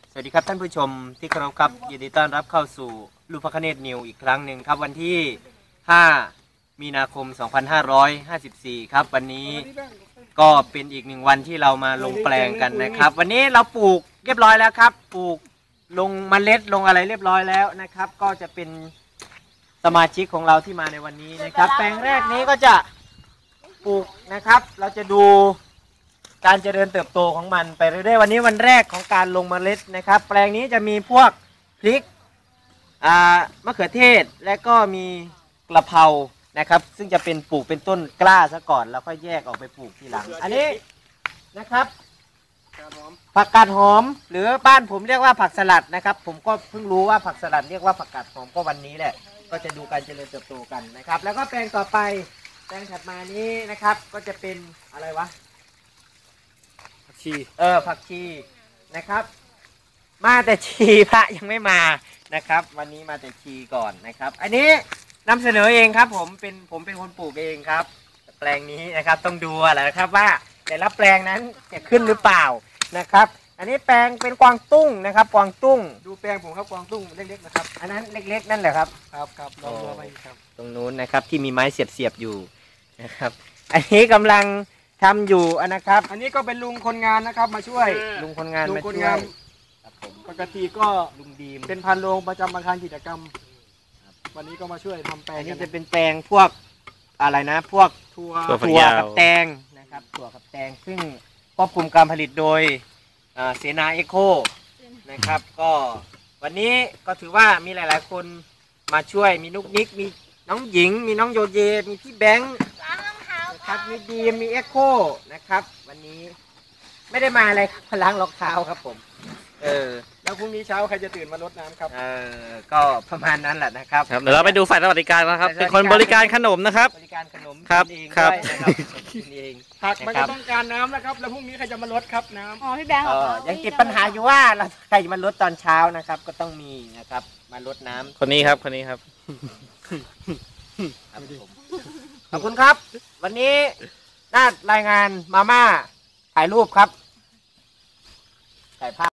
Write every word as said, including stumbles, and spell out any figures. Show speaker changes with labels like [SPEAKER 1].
[SPEAKER 1] สวัสดีครับท่านผู้ชมที่เคารพครับยินดีต้อนรับเข้าสู่ลูกพระคเนศนิวอีกครั้งหนึ่งครับวันที่ห้ามีนาคมสองพันห้าร้อยห้าสิบสี่ครับวันนี้ก็เป็นอีกหนึ่งวันที่เรามาลงแปลงกันนะครับวันนี้เราปลูกเรียบร้อยแล้วครับปลูกลงเมล็ดลงอะไรเรียบร้อยแล้วนะครับก็จะเป็นสมาชิกของเราที่มาในวันนี้นะครับแปลงแรกนี้ก็จะปลูกนะครับเราจะดูการเจริญเติบโตของมันไปเรื่อยๆวันนี้วันแรกของการลงเมล็ดนะครับแปลงนี้จะมีพวกพริกอ่ามะเขือเทศและก็มีกระเพรานะครับซึ่งจะเป็นปลูกเป็นต้นกล้าซะก่อนแล้วค่อยแยกออกไปปลูกทีหลังอันนี้นะครับผักกาดหอมหรือบ้านผมเรียกว่าผักสลัดนะครับผมก็เพิ่งรู้ว่าผักสลัดเรียกว่าผักกาดหอมก็วันนี้แหละก็จะดูการเจริญเติบโตกันนะครับแล้วก็แปลงต่อไปแปลงถัดมานี้นะครับก็จะเป็นอะไรวะชีเออผักชีนะครับมาแต่ชีพระยังไม่มานะครับวันนี้มาแต่ชีก่อนนะครับอันนี้นำเสนอเองครับผมเป็นผมเป็นคนปลูกเองครับแปลงนี้นะครับต้องดูอะไรนะครับว่าแต่ละแปลงนั้นจะขึ้นหรือเปล่านะครับอันนี้แปลงเป็นกวางตุ้งนะครับกวางตุ้ง
[SPEAKER 2] ดูแปลงผมครับกวางตุ้งเล็กๆนะครับ
[SPEAKER 1] อันนั้นเล็กๆนั่นแหละครับ
[SPEAKER 2] ครับครับลองดูไปครับ
[SPEAKER 1] ตรงนู้นนะครับที่มีไม้เสียบๆอยู่นะครับอันนี้กำลังทำอยู่นะครับ
[SPEAKER 2] อันนี้ก็เป็นลุงคนงานนะครับมาช่วย
[SPEAKER 1] ลุงคนงาน
[SPEAKER 2] ลุงคนงานครับผมปกติก็
[SPEAKER 1] ลุงดีม
[SPEAKER 2] เป็นพันโรงประจำอาคารกิจกรรมวันนี้ก็มาช่วยทำแปลง
[SPEAKER 1] อันนี้จะเป็นแปลงพวกอะไรนะพวก
[SPEAKER 2] ถั่ว
[SPEAKER 1] ถั่วกับแตงนะครับถั่วกับแตงซึ่งควบคุมการผลิตโดยเสนาเอโคนะครับก็วันนี้ก็ถือว่ามีหลายๆคนมาช่วยมีนุกนิกมีน้องหญิงมีน้องโยเยมีพี่แบงค์ครับมีดีมีเอ็กโคนะครับวันนี้ไม่ได้มาอะไรพล้างรองเท้าครับผมเออ
[SPEAKER 2] แล้วพรุ่งนี้เช้าใครจะตื่นมารดน้ำครับ
[SPEAKER 1] เออก็ประมาณนั้นแหละนะครับ
[SPEAKER 3] เดี๋ยวเราไปดูฝ่ายสวัสดิการนะครับเป็นคนบริการขนมนะครับ
[SPEAKER 1] บริการขนม
[SPEAKER 3] ครับ
[SPEAKER 1] เอง
[SPEAKER 3] ครับ
[SPEAKER 1] ด้วยนะครับกินเอง
[SPEAKER 2] ผักมันก็ต้องการน้ำนะครับแล้วพรุ่งนี้ใครจะมารดครับน้ำ
[SPEAKER 4] อ๋อพี่แบงค์
[SPEAKER 1] ยังติดปัญหาอยู่ว่าเราใครจะมารดตอนเช้านะครับก็ต้องมีนะครับมารดน้ำ
[SPEAKER 3] คนนี้ครับคนนี้ครับ
[SPEAKER 1] ขอบคุณครับวันนี้น่ารายงานมาม่าถ่ายรูปครับถ่ายภาพ